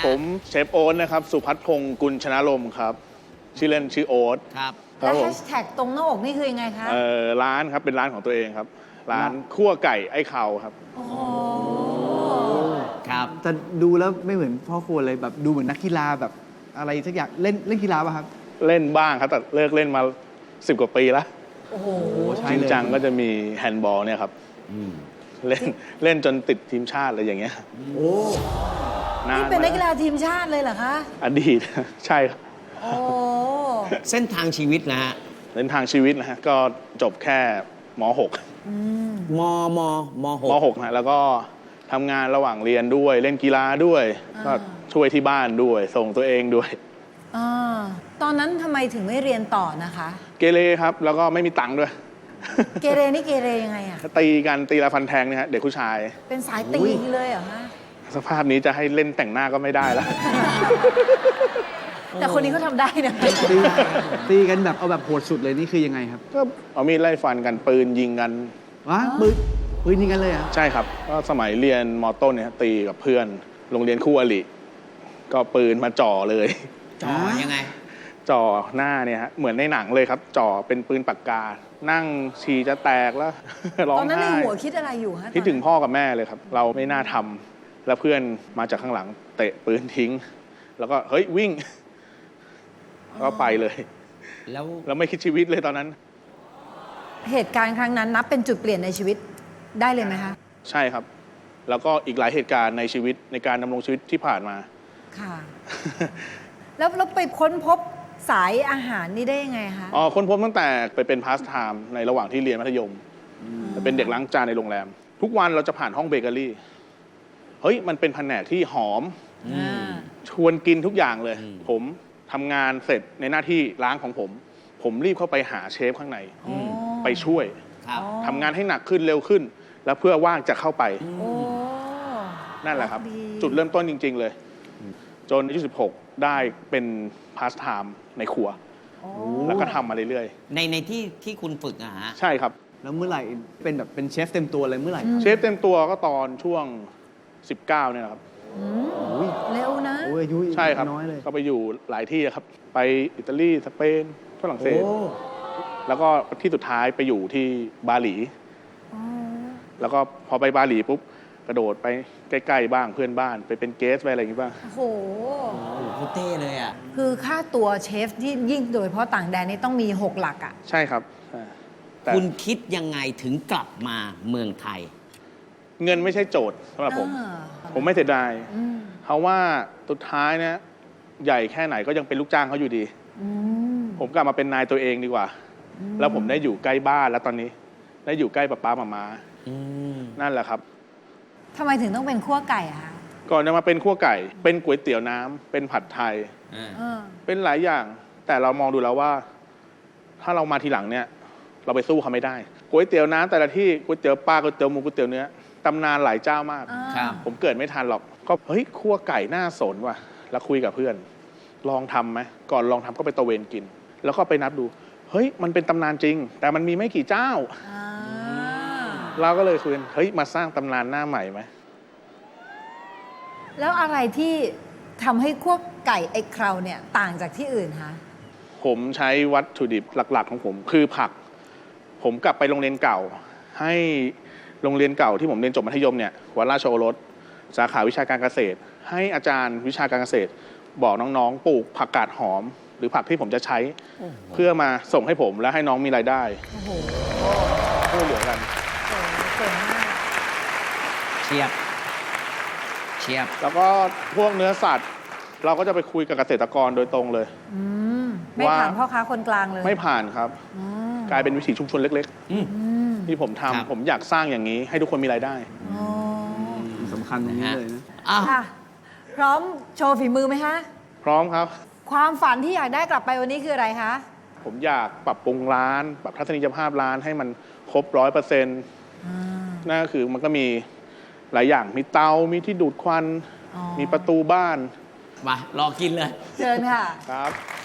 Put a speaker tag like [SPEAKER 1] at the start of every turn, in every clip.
[SPEAKER 1] ผมเชฟโอ๊ตนะครับสุพัฒน์พงศ์กุลชนะลมครับชื่อเล่นชื่อโอ๊ต
[SPEAKER 2] ครับ
[SPEAKER 3] แล้ว
[SPEAKER 1] ผ
[SPEAKER 3] แฮ
[SPEAKER 1] ม
[SPEAKER 3] ชแท็กตรงหน้าอกนี่คือยังไงคะ
[SPEAKER 1] ร้านครับเป็นร้านของตัวเองครับร้านคั่วไก่ไอ้เข่าครับ
[SPEAKER 3] โอ้โห
[SPEAKER 2] ครับ
[SPEAKER 4] แต่ดูแล้วไม่เหมือนพ่อครัวเลยแบบดูเหมือนนักกีฬาแบบอะไรสักอย่างเล่นกีฬาป่ะครับ
[SPEAKER 1] เล่นบ้างครับแต่เลิกเล่นมา10 กว่าปีแล้ว
[SPEAKER 3] โอ้โห
[SPEAKER 4] ใช่
[SPEAKER 1] จริง
[SPEAKER 4] เลย
[SPEAKER 1] จังก็จะมีแฮนด์บอลเนี่ยครับเล่นจนติดทีมชาติอะไรอย่างเงี้ย
[SPEAKER 4] โอ้
[SPEAKER 3] นี่เป็นนักกีฬาทีมชาติเลยเหรอคะ
[SPEAKER 1] อดีต ใช่ครับ
[SPEAKER 3] โอ้
[SPEAKER 2] เส้นทางชีวิตนะฮะ
[SPEAKER 1] เส้นทางชีวิตนะฮะก็จบแค่ม .6
[SPEAKER 2] มมมห
[SPEAKER 1] ม
[SPEAKER 2] ก
[SPEAKER 1] .6 นะแล้วก็ทำงานระหว่างเรียนด้วยเล่นกีฬาด้วย ก็ช่วยที่บ้านด้วย ส่งตัวเองด้วย
[SPEAKER 3] อ่าตอนนั้นทำไมถึงไม่เรียนต่อนะคะ
[SPEAKER 1] เกเรครับแล้วก็ไม่มีตังค์ด้วย
[SPEAKER 3] เกเรนี่เกเรยังไงอะ
[SPEAKER 1] ตีกันตีละฟันแทงเนี่ยฮะเด็กผู้ชาย
[SPEAKER 3] เป็นสายตีเลยเหรอคะ
[SPEAKER 1] สภาพนี้จะให้เล่นแต่งหน้าก็ไม่ได้แล้ว
[SPEAKER 3] แต่คนนี้เขาทำได้นะ
[SPEAKER 4] ตีกันแบบเอาแบบโหดสุดเลยนี่คือยังไงครับ
[SPEAKER 1] ก็เอามีดไล่ฟันกันปืนยิงกัน
[SPEAKER 4] วะปืนยิงกันเลยเหรอ่ะ
[SPEAKER 1] ใช่ครับก็สมัยเรียนมต้นเนี่ยตีกับเพื่อนโรงเรียนคู่อริก็ปืนมาจ่อเลย
[SPEAKER 2] จ่อยังไง
[SPEAKER 1] จ่อหน้าเนี่ยฮะเหมือนในหนังเลยครับ จ่อเป็นปืนปากกา นั่งฉี่จะแตกแล้ว ร้อ
[SPEAKER 3] ตอง นนั้นใน
[SPEAKER 1] ไห้
[SPEAKER 3] หัวคิดอะไรอยู่ฮะ
[SPEAKER 1] คิดถึงพ่อกับแม่เลยครับ เราไม่น่าทำแล้วเพื่อนมาจากข้างหลังเตะปืนทิ้ง แล้วก็เฮ้ยวิ่งก็ไปเลย
[SPEAKER 2] แล้ว
[SPEAKER 1] แล้วไม่คิดชีวิตเลยตอนนั้น
[SPEAKER 3] เหตุการณ์ครั้งนั้นนับเป็นจุดเปลี่ยนในชีวิตได้เลยไหมคะ
[SPEAKER 1] ใช่ครับ แล้วก็อีกหลายเหตุการณ์ในชีวิตในการดำรงชีวิตที่ผ่านมา
[SPEAKER 3] ค่ะ แล้วไปค้นพบสายอาหารนี่ได้ยังไงคะ
[SPEAKER 1] อ๋อค้นพบตั้งแต่ไปเป็นพาสไทม์ในระหว่างที่เรียนมัธยมไปเป็นเด็กล้างจานในโรงแรม ทุกวันเราจะผ่านห้องเบเกอรี่ เฮ้ยมันเป็นแผนกที่หอม ชวนกินทุกอย่างเลย ผมทำงานเสร็จในหน้าที่ล้างของผม ผมรีบเข้าไปหาเชฟข้างใน ไปช่วย
[SPEAKER 2] ครับ
[SPEAKER 1] ทำงานให้หนักขึ้นเร็วขึ้น แล้วเพื่อว่างจะเข้าไป
[SPEAKER 3] โอ้
[SPEAKER 1] นั่นแหละครับ
[SPEAKER 3] ดี
[SPEAKER 1] จุดเริ่มต้นจริง ๆ เลย จนอายุ16 ได้เป็นพาสไทม์ในครัว
[SPEAKER 3] โอ้
[SPEAKER 1] แล้วก็ทำมาเรื่อย
[SPEAKER 2] ในที่คุณฝึกอะฮะ
[SPEAKER 1] ๆ ใช่ครับ
[SPEAKER 4] แล้วเมื่อไหร่เป็นแบบเป็นเชฟเต็มตัวเลยเมื่อไหร่ครับ
[SPEAKER 1] เชฟเต็มตัวก็ตอนช่วง 19เนี่ยนะครับ
[SPEAKER 3] เร็วนะ
[SPEAKER 4] โอ้ยอายุ
[SPEAKER 1] ใช่ครับ
[SPEAKER 4] น้อยเลย
[SPEAKER 1] ก็ไปอยู่หลายที่ครับ ไปอิตาลีสเปนฝรั่งเศส
[SPEAKER 4] โอ้
[SPEAKER 1] แล้วก็ที่สุดท้ายไปอยู่ที่บาหลี แล้วก็พอไปบาหลีปุ๊บกระโดดไปใกล้ๆบ้างเพื่อนบ้านไปเป็นเกสไปอะไรอย่างงี้บ้าง
[SPEAKER 3] โอ้โห
[SPEAKER 2] โอ้โหเขาเต้เลยอ่ะ
[SPEAKER 3] คือค่าตัวเชฟที่ยิ่งโดยเฉพาะต่างแดนนี่ต้องมี 6 หลักอะ
[SPEAKER 1] ใช่ครับแต่
[SPEAKER 2] คุณคิดยังไงถึงกลับมาเมืองไทย
[SPEAKER 1] เงินไม่ใช่โจทย์สำหรับผม
[SPEAKER 3] อ่า
[SPEAKER 1] ผมไม่เสียดาย
[SPEAKER 3] อืม
[SPEAKER 1] เพราะว่าสุดท้ายเนี่ยใหญ่แค่ไหนก็ยังเป็นลูกจ้างเขาอยู่ดี
[SPEAKER 3] อืม
[SPEAKER 1] ผมกลับมาเป็นนายตัวเองดีกว่า แล้วผมได้อยู่ใกล้บ้านแล้วตอนนี้ ได้อยู่ใกล้ป้าหมา
[SPEAKER 2] อืม
[SPEAKER 1] นั่นแหละครับ
[SPEAKER 3] ทำไมถึงต้องเป็นขั้วไก่อะคะ
[SPEAKER 1] ก่อนจะมาเป็นขั้วไก่ เป็นก๋วยเตี๋ยวน้ำเป็นผัดไทย
[SPEAKER 2] อ่า
[SPEAKER 3] เออ
[SPEAKER 1] เป็นหลายอย่าง แต่เรามองดูแล้วว่า ถ้าเรามาทีหลังเนี่ย เราไปสู้เขาไม่ได้ก๋วยเตี๋ยวน้ำแต่ละที่ก๋วยเตี๋ยวปลาก๋วยเตี๋ยวหมูก๋วยเตี๋ยวเนื้อตำนานหลายเจ้ามาก
[SPEAKER 3] อ่า
[SPEAKER 2] ครับ
[SPEAKER 1] ผมเกิดไม่ทันหรอก ก็เฮ้ยคั่วไก่น่าสนว่ะ แล้วคุยกับเพื่อน ลองทำไหมก่อนลองทำก็ไปตะเวนกิน แล้วก็ไปนับดู เฮ้ยมันเป็นตำนานจริง แต่มันมีไม่กี่เจ้า
[SPEAKER 3] อ่า
[SPEAKER 1] เราก็เลยคุยกันเฮ้ยมาสร้างตำนานหน้าใหม่ไหม
[SPEAKER 3] แล้วอะไรที่ทำให้ขั้วไก่ไอ้เคราวเนี่ยต่างจากที่อื่นคะ
[SPEAKER 1] ผมใช้วัตถุดิบหลัก ๆ ของผม คือผัก ผมกลับไปโรงเรียนเก่า ให้โรงเรียนเก่าที่ผมเรียนจบมัธยมเนี่ยวัดราชโอรสสาขาวิชาการเกษตร ให้อาจารย์วิชาการเกษตร บอกน้องๆปลูกผักกาดหอม หรือผักที่ผมจะใช้ เพื่อมาส่งให้ผมและให้น้องมีรายได้
[SPEAKER 3] โอ้โห
[SPEAKER 1] ช่วยเหลือกัน
[SPEAKER 3] โอ้โหเก่งมาก
[SPEAKER 2] เชียบ เชียบ
[SPEAKER 1] แล้วก็พวกเนื้อสัตว์ เราก็จะไปคุยกับเกษตรกรโดยตรงเลย
[SPEAKER 3] อืมไม่
[SPEAKER 1] ว่า
[SPEAKER 3] ผ่านพ่อค้าคนกลางเลย
[SPEAKER 1] ไม่ผ่านครับ
[SPEAKER 3] อืม
[SPEAKER 1] กลายเป็นวิถีชุมชนเล็ก
[SPEAKER 2] อืม
[SPEAKER 3] อืม
[SPEAKER 1] ๆ ที่ผม
[SPEAKER 2] ครับ
[SPEAKER 1] ทำผมอยากสร้างอย่างนี้ ให้ทุกคนมีรายได้
[SPEAKER 3] อ๋อ
[SPEAKER 4] สำคัญตรงนี้เลยนะ
[SPEAKER 2] อ้าว
[SPEAKER 3] ค่ะ พร้อมโชว์ฝีมือไหมคะ
[SPEAKER 1] พร้อมครับ
[SPEAKER 3] ความฝันที่อยากได้กลับไปวันนี้คืออะไรคะ
[SPEAKER 1] ผมอยากปรับปรุงร้าน ปรับทัศนียภาพร้านให้มันครบ100%นั่นก็คือมันก็มีหลายอย่างมีเตา มีที่ดูดควัน
[SPEAKER 3] อ๋อ
[SPEAKER 1] มีประตูบ้าน
[SPEAKER 2] มารอกินเลย
[SPEAKER 3] เชิญค่ะ
[SPEAKER 1] ครับ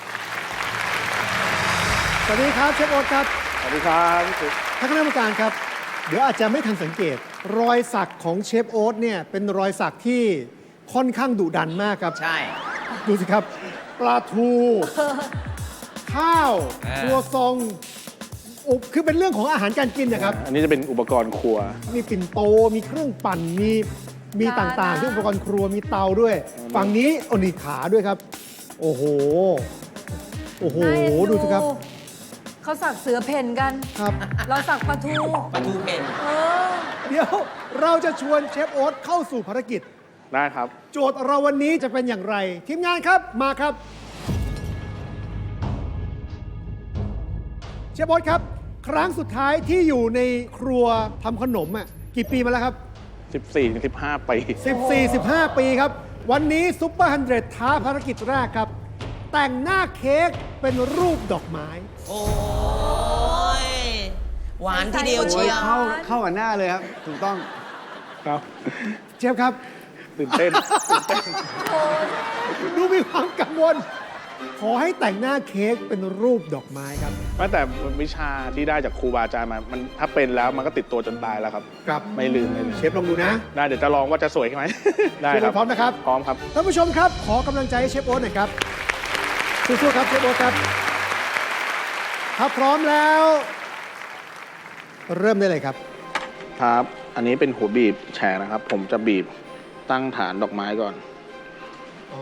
[SPEAKER 5] สวัสดีครับเชฟโอ๊ตครับ
[SPEAKER 1] สวัสดีครับพี่ตุ๊ก
[SPEAKER 5] ท่านคณะกรรมการครับ เดี๋ยวอาจจะไม่ทันสังเกต รอยสักของเชฟโอ๊ตเนี่ยเป็นรอยสักที่ค่อนข้างดุดันมากครับ
[SPEAKER 2] ใช่
[SPEAKER 5] ดูสิครับ ปลาทู ข้าว
[SPEAKER 2] อ่า
[SPEAKER 5] ครัวซองคือเป็นเรื่องของอาหารการกินนะครับ
[SPEAKER 1] อันนี้จะเป็นอุปกรณ์ครัว
[SPEAKER 5] มีปิ่นโต มีเครื่องปั่น มี
[SPEAKER 3] จาน
[SPEAKER 5] ต่างๆ
[SPEAKER 3] นะ
[SPEAKER 5] ที่อุปกรณ์ครัว มีเตาด้วย ฝั่งนี้โอนี่ขาด้วยครับ โอ้โห โอ้โห
[SPEAKER 3] น่าเอ็น
[SPEAKER 5] ดูสิครับ
[SPEAKER 3] เขาสักเสือเพ่นกัน
[SPEAKER 5] ครับ
[SPEAKER 3] เราสักปลาทู
[SPEAKER 2] ปลาทูเพ่น
[SPEAKER 3] เออ
[SPEAKER 5] เดี๋ยวเราจะชวนเชฟโอ๊ตเข้าสู่ภารกิจ
[SPEAKER 1] ได้ครับ
[SPEAKER 5] โจทย์เราวันนี้จะเป็นอย่างไร ทีมงานครับ มาครับ เชฟโอ๊ตครับ ครั้งสุดท้ายที่อยู่ในครัวทำขนมอ่ะกี่ปีมาแล้วครับ
[SPEAKER 1] 14-15 ปี
[SPEAKER 5] 14-15 ปีครับ วันนี้ซุปเปอร์100ท้าภารกิจแรกครับ แต่งหน้าเค้กเป็นรูปดอกไม้
[SPEAKER 2] โอ้ย หวานทีเดียว
[SPEAKER 3] ใส่
[SPEAKER 2] เชียว
[SPEAKER 4] เข้ากับหน้าเลยครับ ถูกต้อง
[SPEAKER 1] ครับ
[SPEAKER 5] เชฟครับ
[SPEAKER 1] ตื่นเต้น
[SPEAKER 5] ดูมีความกังวล ขอให้แต่งหน้าเค้กเป็นรูปดอกไม้ครับ
[SPEAKER 1] แต่วิชาที่ได้จากครูบาอาจารย์มามันถ้าเป็นแล้วมันก็ติดตัวจนตายแล้วครับ
[SPEAKER 5] ครับ
[SPEAKER 1] ไม่ลืมไม่ลืม
[SPEAKER 5] เชฟลองดูนะ
[SPEAKER 1] ได้เดี๋ยวจะลองว่าจะสวยไหม ได้
[SPEAKER 5] เชฟ
[SPEAKER 1] ครับ
[SPEAKER 5] พร้อมนะครับ
[SPEAKER 1] พร้อมครับ
[SPEAKER 5] ท่านผู้ชมครับ ขอกำลังใจให้เชฟโอ๊ตหน่อยครับสู้ๆครับเชฟโอ๊ตครับถ้าพร้อมแล้ว เริ่มได้เลยครับ
[SPEAKER 1] ครับ อันนี้เป็นหัวบีบแฉกนะครับ ผมจะบีบตั้งฐานดอกไม้ก่อน
[SPEAKER 5] อ๋อ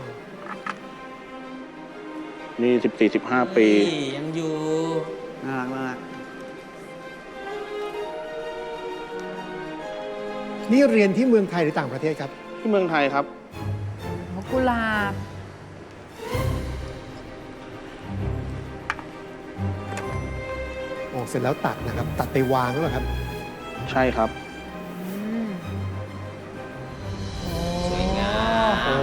[SPEAKER 1] นี่14-15 ปี
[SPEAKER 2] นี่ยังอยู่
[SPEAKER 4] น่ารักมาก
[SPEAKER 5] นี่เรียนที่เมืองไทยหรือต่างประเทศครับ
[SPEAKER 1] ที่เมืองไทยครับ
[SPEAKER 3] กุหลาบ
[SPEAKER 5] ออกเสร็จแล้วตัดนะครับ ตัดไปวางแล้วเหรอครับ
[SPEAKER 1] ใช่ครับ
[SPEAKER 2] สวยงาม
[SPEAKER 5] โอ้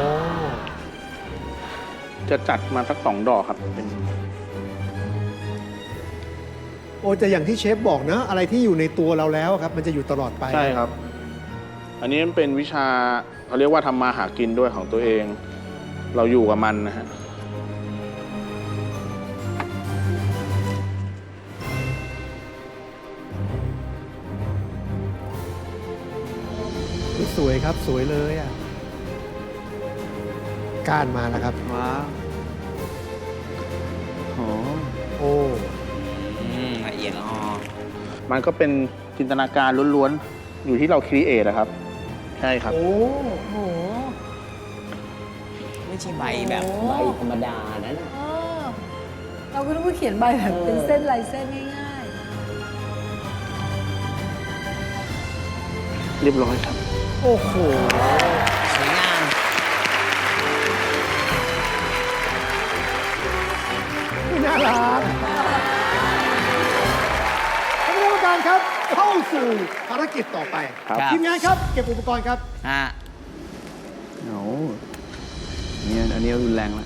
[SPEAKER 1] จะจัดมาสัก2 ดอกครับเป็น
[SPEAKER 5] โอ้แต่อย่างที่เชฟบอกนะ อะไรที่อยู่ในตัวเราแล้วครับ มันจะอยู่ตลอดไป
[SPEAKER 1] ใช่ครับ อันนี้มันเป็นวิชาเขาเรียกว่าทำมาหากินด้วยของตัวเอง เราอยู่กับมันนะฮะ
[SPEAKER 5] สวยครับ สวยเลยอ่ะ การมาแล้วครับ
[SPEAKER 4] ว้าวโห
[SPEAKER 5] โอ้
[SPEAKER 2] ละเอียดละออ
[SPEAKER 1] มันก็เป็นจินตนาการล้วนๆ อยู่ที่เราครีเอทนะครับ ใช่ครับ
[SPEAKER 5] โอ้
[SPEAKER 3] โห
[SPEAKER 2] ไม่ใช่ใบแบบ
[SPEAKER 3] โอ้
[SPEAKER 2] ใบธรรมดานั้น
[SPEAKER 3] เออเราก็ต้องเขียนใบแบบเป็นเส้นลายเส้นง่าย
[SPEAKER 1] เรียบร้อยครับ
[SPEAKER 5] โอ้โห
[SPEAKER 2] สวยงาม
[SPEAKER 5] น่ารักท่านคณะกรรมการครับ เข้าสู่ภารกิจต่อไป
[SPEAKER 1] ครับ
[SPEAKER 5] ทีมงานครับ เก็บอุปกรณ์ครับ
[SPEAKER 2] ฮะ
[SPEAKER 4] โอ้เนี่ยอันนี้รุนแรงแล้ว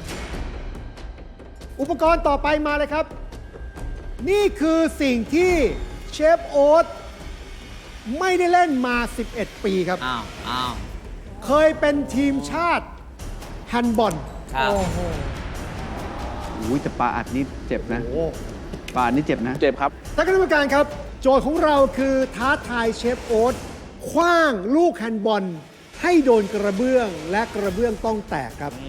[SPEAKER 5] อุปกรณ์ต่อไปมาเลยครับ นี่คือสิ่งที่เชฟโอ๊ตไม่ได้เล่นมา 11 ปีครับ
[SPEAKER 2] อ้าว อ้าว
[SPEAKER 5] เคยเป็นทีมชาติแฮนด์บอล
[SPEAKER 2] ครับ
[SPEAKER 3] ๆ โอ้โห
[SPEAKER 4] อุ้ยแต่ปลาอัดนี่เจ็บนะ
[SPEAKER 5] โอ้
[SPEAKER 4] ปลาอัดนี่เจ็บนะ
[SPEAKER 1] เจ็บครับ
[SPEAKER 5] ท่านคณะกรรมการครับ โจทย์ของเราคือท้าทายเชฟโอ๊ตคว้างลูกแฮนด์บอลให้โดนกระเบื้องและกระเบื้องต้องแตกครับ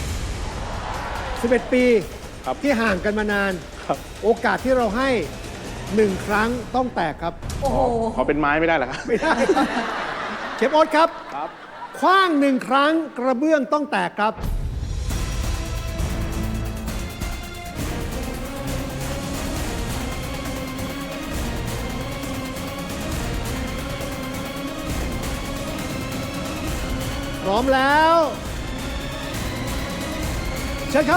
[SPEAKER 5] 11 ปี
[SPEAKER 1] ครับ
[SPEAKER 5] ที่ห่างกันมานาน
[SPEAKER 1] ครับ
[SPEAKER 5] โอกาสที่เราให้ 1 ครั้งต้องแตกครับ
[SPEAKER 3] โอ้โห
[SPEAKER 1] ขอเป็นไม้ไม่ได้เหรอครับ
[SPEAKER 5] ไม่ได้ครับเชฟโอ๊ตครับ
[SPEAKER 1] ครับ
[SPEAKER 5] คว้าง 1 ครั้งกระเบื้องต้องแตกครับ พร้อมแล้วเชิญครับ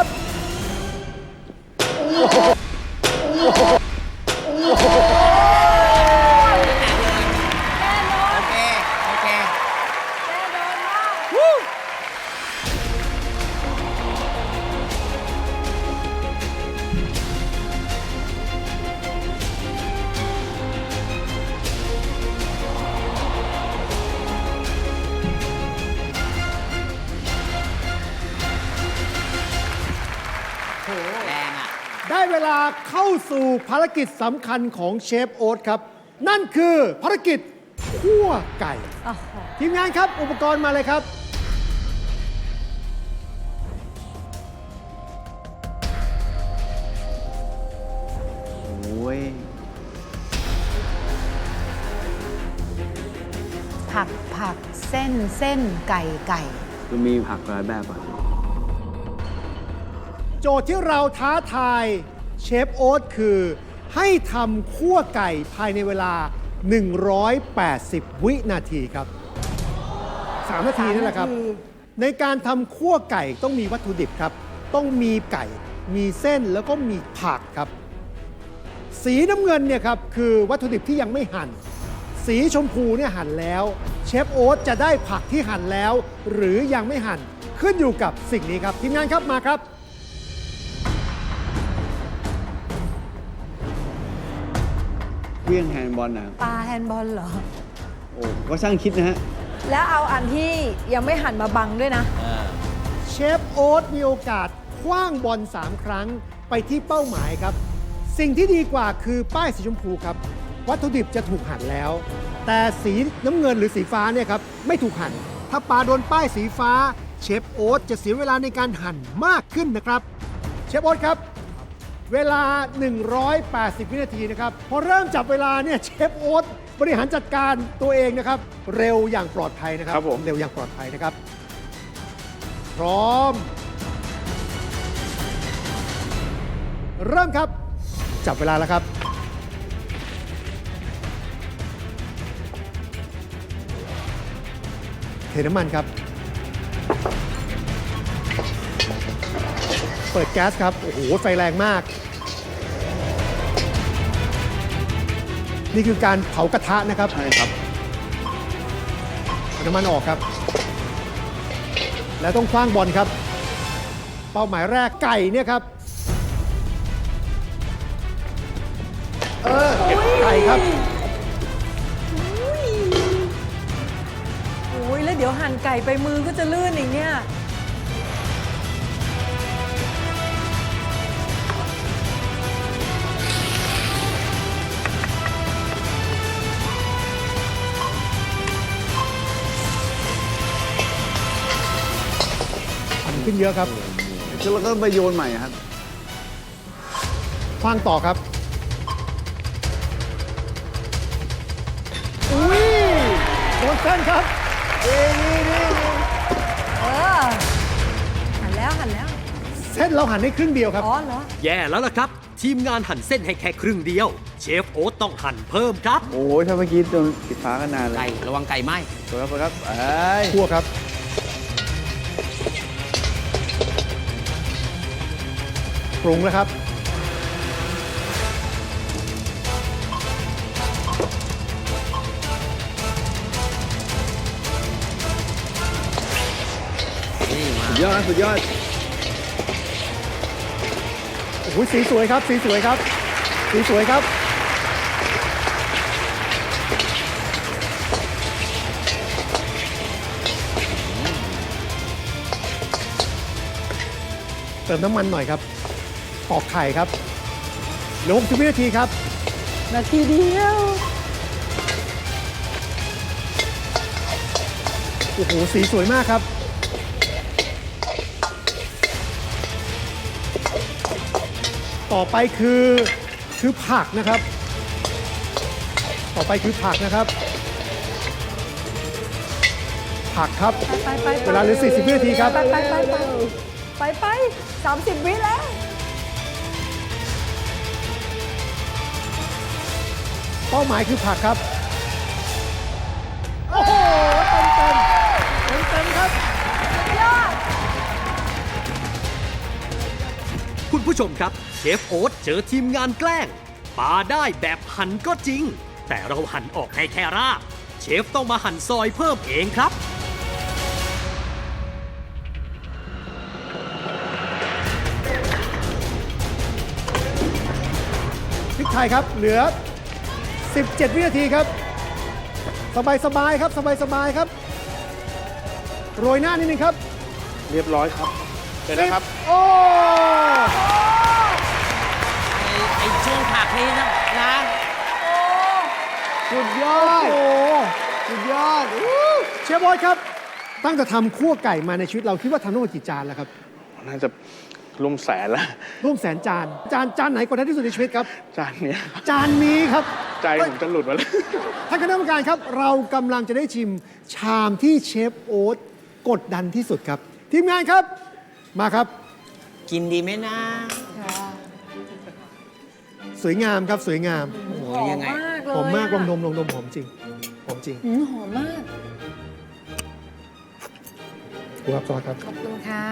[SPEAKER 2] โอเค โอเค
[SPEAKER 3] แน่นอนมาก
[SPEAKER 2] แรงอ่ะ
[SPEAKER 5] ได้เวลาเข้าสู่ภารกิจสำคัญของเชฟโอ๊ตครับ นั่นคือภารกิจคั่วไก่
[SPEAKER 3] โอ้โห
[SPEAKER 5] ทีมงานครับ อุปกรณ์มาเลยครับ
[SPEAKER 3] ผักเส้นไก่
[SPEAKER 4] มันมีผักหลายแบบอ่ะ
[SPEAKER 5] โจทย์ที่เราท้าทายเชฟโอ๊ตคือให้ทำคั่วไก่ภายในเวลา 180 วินาทีครับ 3 นาทีนั่นแหละครับ ในการทำคั่วไก่ต้องมีวัตถุดิบครับ ต้องมีไก่ มีเส้นแล้วก็มีผักครับ สีน้ำเงินเนี่ยครับคือวัตถุดิบที่ยังไม่หั่น สีชมพูเนี่ยหั่นแล้ว เชฟโอ๊ตจะได้ผักที่หั่นแล้ว หรือยังไม่หั่นขึ้นอยู่กับสิ่งนี้ครับทีมงานครับมาครับ
[SPEAKER 4] เวียงแฮนด์บอลนะ
[SPEAKER 3] ปลาแฮนด์บอลเหรอ
[SPEAKER 4] โอ้ก็ช่างคิดนะฮะ
[SPEAKER 3] แล้วเอาอันที่ยังไม่หั่นมาบังด้วยนะ
[SPEAKER 5] เชฟโอ๊ตมีโอกาสคว้างบอล3 ครั้งไปที่เป้าหมายครับ สิ่งที่ดีกว่าคือป้ายสีชมพูครับ วัตถุดิบจะถูกหั่นแล้ว แต่สีน้ำเงินหรือสีฟ้าเนี่ยครับไม่ถูกหั่น ถ้าปลาโดนป้ายสีฟ้า เชฟโอ๊ตจะเสียเวลาในการหั่นมากขึ้นนะครับ เชฟโอ๊ตครับ เวลา 180 วินาทีนะครับ พอเริ่มจับเวลาเนี่ยเชฟโอ๊ตบริหารจัดการตัวเองนะครับ เร็วอย่างปลอดภัยนะครับ
[SPEAKER 1] ครับผม
[SPEAKER 5] เร็วอย่างปลอดภัยนะครับ พร้อม เริ่มครับ จับเวลาแล้วครับ เทน้ำมันครับ เปิดแก๊สครับ โอ้โห ไฟแรงมาก นี่คือการเผากระทะนะครับ
[SPEAKER 1] ใช่ครับ
[SPEAKER 5] เอาน้ำมันออกครับ แล้วต้องคว้างบอลครับ เป้าหมายแรกไก่เนี่ยครับ เก็บไก่ครับ
[SPEAKER 3] โอ้ยแล้วเดี๋ยวหั่นไก่ไปมือก็จะลื่นอีกเนี่ย
[SPEAKER 5] มันขึ้นเยอะครับ
[SPEAKER 4] แล้วก็ไปโยนใหม่ครับ
[SPEAKER 5] คว้างต่อครับ อุ้ยโดนเส้นครับนี่
[SPEAKER 3] เออ หั่นแล้ว
[SPEAKER 5] เส้นเราหั่นให้ครึ่งเดียวครับ
[SPEAKER 3] อ๋อเหรอ
[SPEAKER 6] แย่แล้วล่ะครับ ทีมงานหั่นเส้นให้แค่ครึ่งเดียว เชฟโอ๊ตต้องหั่นเพิ่มครับ
[SPEAKER 4] โอ้ยถ้าเมื่อกี้โดนสีฟ้าก็นานเล
[SPEAKER 2] ไก่
[SPEAKER 4] ย
[SPEAKER 2] ระวังไก่ไหม
[SPEAKER 4] สวยครับเอ้ย
[SPEAKER 5] คั่วครับ ปรุงแล้วครับ
[SPEAKER 2] นี่มา
[SPEAKER 4] สุดยอดสุดยอด
[SPEAKER 5] โอ้โหสีสวยครับ สีสวยครับ สีสวยครับ เติมน้ำมันหน่อยครับ ตอกไข่ครับเหลือ60 วินาทีครับ
[SPEAKER 3] นาทีเดียว
[SPEAKER 5] โอ้โห สีสวยมากครับ ต่อไปคือผักนะครับ ต่อไปคือผักนะครับ ผักครับ
[SPEAKER 3] ไป
[SPEAKER 5] เวลาเหลือ40 วินาทีครับ
[SPEAKER 3] ไป30 วิแล้ว
[SPEAKER 5] เป้าหมายคือผักครับ โอ้โห เต็มครับ
[SPEAKER 6] คุณผู้ชมครับ เชฟโอ๊ตเจอทีมงานแกล้งปลาได้แบบหั่นก็จริง แต่เราหั่นออกให้แค่รากเชฟต้องมาหั่นซอยเพิ่มเองครับ
[SPEAKER 5] พริกไทยครับ เหลือ 17 วินาทีครับ สบายๆครับ สบายๆครับ โรยหน้านิดนึงครับ
[SPEAKER 1] เรียบร้อยครับเสร็จแล้วครับ
[SPEAKER 5] โอ้
[SPEAKER 2] ไอ้ช่วงผักนี่นะ
[SPEAKER 5] สุดยอด โอ้สุดยอดเชฟบอยครับ ตั้งแต่ทำคั่วไก่มาในชีวิตเราคิดว่าทำทั้งหมดกี่จานแล้วครับ
[SPEAKER 1] น่าจะร่วมแสนแล้ว
[SPEAKER 5] ร่วมแสนจาน จานไหนกดดันที่สุดในชีวิตครับ
[SPEAKER 1] จานเนี้ยครับ
[SPEAKER 5] จานนี้ครับ
[SPEAKER 1] ใจผมจะหลุดมาเลย
[SPEAKER 5] ท่านคณะกรรมการครับ เรากำลังจะได้ชิมชามที่เชฟโอ๊ตกดดันที่สุดครับ ทีมงานครับ มาครับ
[SPEAKER 2] กินดีไหมนะ
[SPEAKER 5] สวยงามครับสวยงาม
[SPEAKER 2] โอ้โห
[SPEAKER 3] หอม
[SPEAKER 2] ยังไง
[SPEAKER 3] มากเลย
[SPEAKER 5] หอมมากล
[SPEAKER 3] อะ
[SPEAKER 5] องดมหอมจริงหอมจริง
[SPEAKER 3] หอมมาก
[SPEAKER 5] ดูครับซอสครับ
[SPEAKER 3] ขอบคุณค่ะ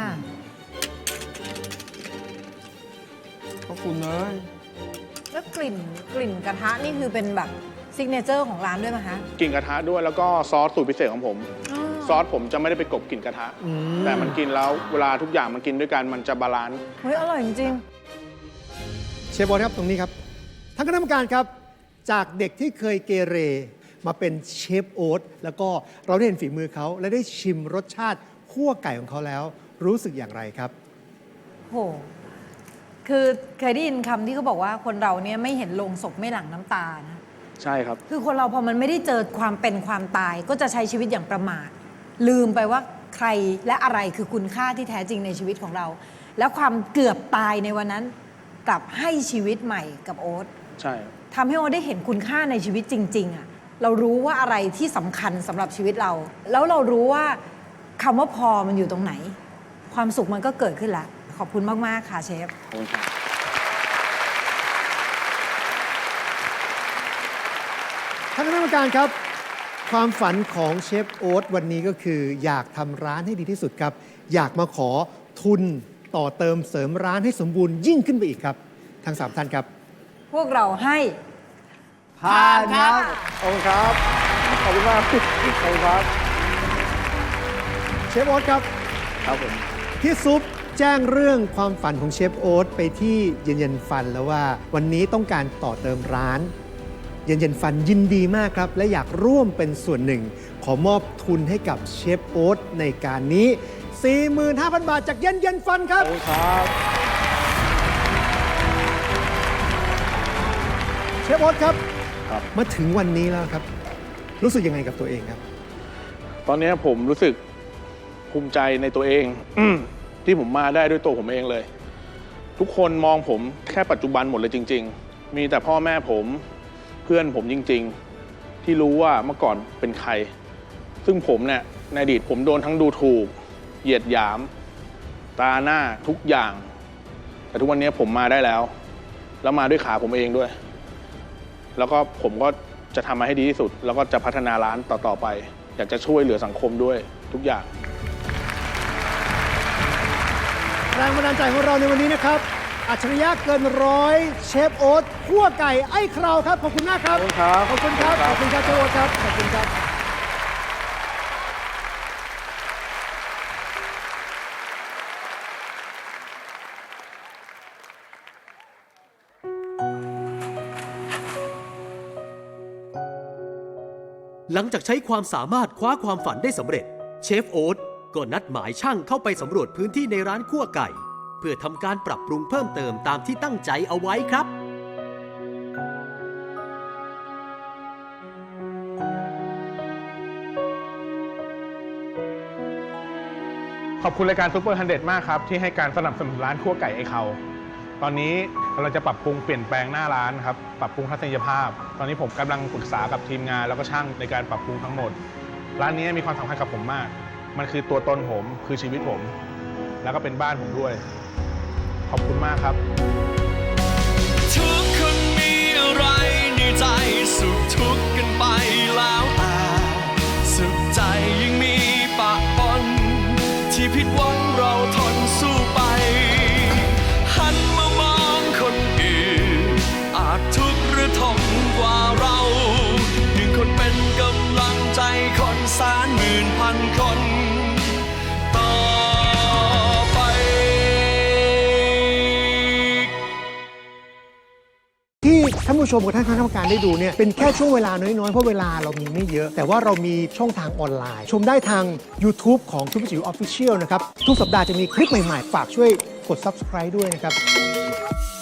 [SPEAKER 4] ขอบคุณเลย
[SPEAKER 3] แล้วกลิ่นกระทะนี่คือเป็นแบบซิกเนเจอร์ของร้านด้วยไหมคะ
[SPEAKER 1] กลิ่นกระทะด้วยแล้วก็ซอสสูตรพิเศษของผม
[SPEAKER 3] อ๋อ
[SPEAKER 1] ซอสผมจะไม่ได้ไปกลบกลิ่นกระทะ แต่มันกินแล้วเวลาทุกอย่างมันกินด้วยกันมันจะบาลานซ์
[SPEAKER 3] เฮ้ยอร่อยจริง
[SPEAKER 5] เชฟโอ๊ตครับตรงนี้ครับท่านคณะกรรมการครับ จากเด็กที่เคยเกเรมาเป็นเชฟโอ๊ตแล้วก็เราได้เห็นฝีมือเขาและได้ชิมรสชาติคั่วไก่ของเขาแล้ว รู้สึกอย่างไรครับ
[SPEAKER 3] ๆโหคือเคยได้ยินคำที่เขาบอกว่าคนเราเนี่ยไม่เห็นโลงศพไม่หลั่งน้ำตานะ
[SPEAKER 1] ใช่ครับ
[SPEAKER 3] คือคนเราพอมันไม่ได้เจอความเป็นความตาย ก็จะใช้ชีวิตอย่างประมาท ลืมไปว่าใครและอะไรคือคุณค่าที่แท้จริงในชีวิตของเรา แล้วความเกือบตายในวันนั้นกลับให้ชีวิตใหม่กับโอ๊ต
[SPEAKER 1] ใช่
[SPEAKER 3] ทำให้โอ๊ตได้เห็นคุณค่าในชีวิตจริงๆอะเรารู้ว่าอะไรที่สำคัญสำหรับชีวิตเรา แล้วเรารู้ว่าคำว่าพอมันอยู่ตรงไหน ความสุขมันก็เกิดขึ้นละขอบคุณมากๆค่ะเชฟ
[SPEAKER 1] ขอบคุณครับ
[SPEAKER 5] ท่านคณะกรรมการครับ ความฝันของเชฟโอ๊ตวันนี้ก็คือ อยากทำร้านให้ดีที่สุดครับ อยากมาขอทุนต่อเติมเสริมร้านให้สมบูรณ์ยิ่งขึ้นไปอีกครับ ทั้ง 3 ท่านครับ
[SPEAKER 3] พวกเราให้
[SPEAKER 4] ผ่านครับ
[SPEAKER 1] ขอบคุณครับ ขอบคุณมาก ขอบคุณครับ
[SPEAKER 5] เชฟโอ๊ตครับ
[SPEAKER 1] ครับผม
[SPEAKER 5] พี่ซุปแจ้งเรื่องความฝันของเชฟโอ๊ตไปที่เย็นเย็นฟันแล้วว่าวันนี้ต้องการต่อเติมร้าน เย็นเย็นฟันยินดีมากครับ และอยากร่วมเป็นส่วนหนึ่ง ขอมอบทุนให้กับเชฟโอ๊ตในการนี้ 45,000 บาทจากเย็นเย็นฟันครับ
[SPEAKER 1] ขอบคุณครับ
[SPEAKER 5] เชฟโอ๊ตครับ
[SPEAKER 1] ครับ
[SPEAKER 5] มาถึงวันนี้แล้วครับ รู้สึกยังไงกับตัวเองครับ
[SPEAKER 1] ตอนนี้ผมรู้สึกภูมิใจในตัวเอง ที่ผมมาได้ด้วยตัวผมเองเลย ทุกคนมองผมแค่ปัจจุบันหมดเลยจริง ๆ มีแต่พ่อแม่ผมเพื่อนผมจริง ๆ ที่รู้ว่าเมื่อก่อนเป็นใคร ซึ่งผมเนี่ยในอดีตผมโดนทั้งดูถูก เหยียดหยาม ตาหน้าทุกอย่าง แต่ทุกวันนี้ผมมาได้แล้ว แล้วมาด้วยขาผมเองด้วย แล้วก็ผมก็จะทำมาให้ดีที่สุด แล้วก็จะพัฒนาร้านต่อๆไป อยากจะช่วยเหลือสังคมด้วยทุกอย่าง
[SPEAKER 5] แรงบันดาลใจของเราในวันนี้นะครับ อัจฉริยะเกินร้อยเชฟโอ๊ตคั่วไก่ไอ้คราวครับ ขอบคุณมากครับ
[SPEAKER 1] ขอบคุณครับ
[SPEAKER 5] ขอบคุณครับ ขอบคุณครับเชฟโอ๊ตครับ ขอบคุณครับ
[SPEAKER 6] หลังจากใช้ความสามารถคว้าความฝันได้สำเร็จ เชฟโอ๊ตก็นัดหมายช่างเข้าไปสำรวจพื้นที่ในร้านคั่วไก่ เพื่อทำการปรับปรุงเพิ่มเติมตามที่ตั้งใจเอาไว้ครับ
[SPEAKER 1] ขอบคุณรายการซูเปอร์100มากครับ ที่ให้การสนับสนุนร้านคั่วไก่ไอเขาตอนนี้เราจะปรับปรุงเปลี่ยนแปลงหน้าร้านครับ ปรับปรุงทัศนียภาพ ตอนนี้ผมกำลังปรึกษากับทีมงานแล้วก็ช่างในการปรับปรุงทั้งหมด ร้านนี้มีความสำคัญกับผมมาก มันคือตัวตนผมคือชีวิตผม แล้วก็เป็นบ้านผมด้วย ขอบคุณมากครับ
[SPEAKER 7] ทุกคนมีอะไรในใจสุขทุกข์กันไปแล้วแต่สุขใจยังมีปะปนที่ผิดหวังเราทนสู้ไป หันมามองคนอื่นอาจทุกข์หรือทนกว่าเราหนึ่งคนเป็นกำลังใจคนแสนหมื่นพันคนต่อไป
[SPEAKER 5] ที่ท่านผู้ชมกับท่านคณะกรรมการได้ดูเนี่ยเป็นแค่ช่วงเวลาน้อย ๆ เพราะเวลาเรามีไม่เยอะ แต่ว่าเรามีช่องทางออนไลน์ ชมได้ทาง YouTube ของทุกจิ๋ว Official นะครับ ทุกสัปดาห์จะมีคลิปใหม่ ๆ ฝากช่วยกด Subscribe ด้วยนะครับ